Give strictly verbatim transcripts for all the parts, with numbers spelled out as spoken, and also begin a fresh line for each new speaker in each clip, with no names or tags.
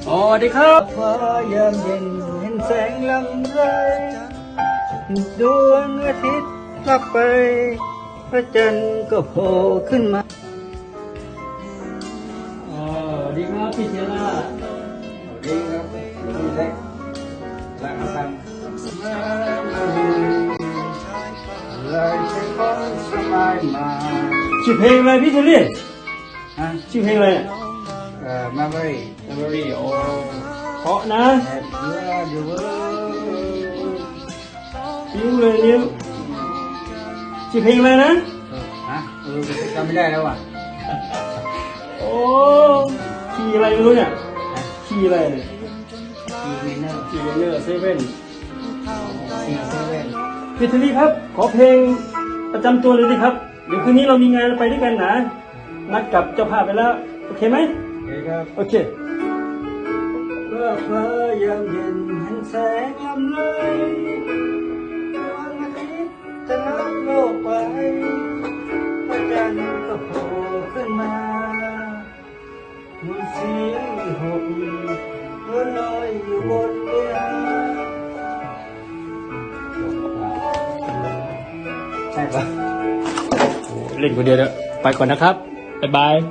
สวัสดีครับฟ้ายามเย็นเห็นแสงลำไรดวงอาทิตย์ลับไปพระจันทร์ก็โผล่ขึ้นมาอ๋อดีครับพี่เชียร่าดีครับดีเล็กรักกันเลยใช้ของสบายมาชื่อเพลงอะไรพี่เชอรี่ฮะชื่อเพลงอะไรเอ่อ Memory Memory โอ้เพราะนะยิ้มเลยยิ้มชื่อเพลงอะไรนะฮะเออจำไม่ได้แล้วอ่ะโอ้ขี่อะไรไม่รู้เนี่ยขี่อะไรเนี่ยขี่เมเนอร์ขี่เมเนอร์เซเว่นขี่เซเว่นพี่เชอรี่ครับขอเพลงประจำตัวเลยดิครับเดี๋ยวคืนนี้เรามีงานไปด้วยกันนะนัดกับเจ้าภาพไปแล้วโอเคไหมโอเคครับโอเคเมื่อฟ้ายามเย็นเห็นแสงลำไรดวงอาทิตย์จะลับโลกไปพระจันทร์ก็โผล่ขึ้นมามีเสียงมีหกนวลลอยอยู่บนเรือใช่ปะเล่นคนเดียวเด้อไปก่อนนะครับบ๊ายบาย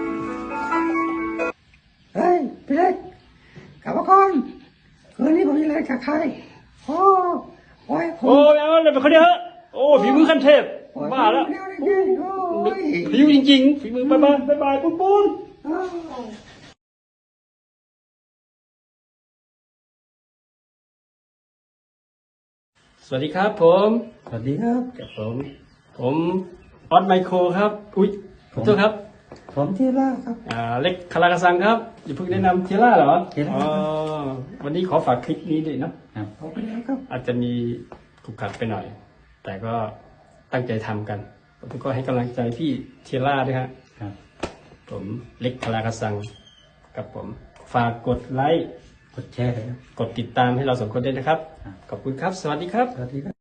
เฮ้ยพี่เล็กกลับมาก่อนคืนนี้ผมมีอะไรกับใครโอ้โอ้ยโอ้ยเอาเลยไปคนเดียวโอ้ฝีมือขั้นเทพบ้าแล้วฝีมือจริงๆฝีมือบายบายบายบายปุ้นปุ้นสวัสดีครับผมสวัสดีครับกับผมผมออสไมโครครับอุ้ยขอโทษครับผมเทียร่าครับอ่าเล็กคารากาซังครับอย่าเพิ่งแนะนำเทียร่าเหรอเทียร่าอ๋อวันนี้ขอฝากคลิปนี้ด้วยเนาะครับขอบคุณครับอาจจะมีขรุขระไปหน่อยแต่ก็ตั้งใจทำกันผมก็ให้กำลังใจพี่เทียร่าด้วยครับผมเล็กคารากาซังกับผมฝากกดไลค์กดแชร์กดติดตามให้เราสองคนด้วยนะครับขอบคุณครับสวัสดีครับสวัสดีครับ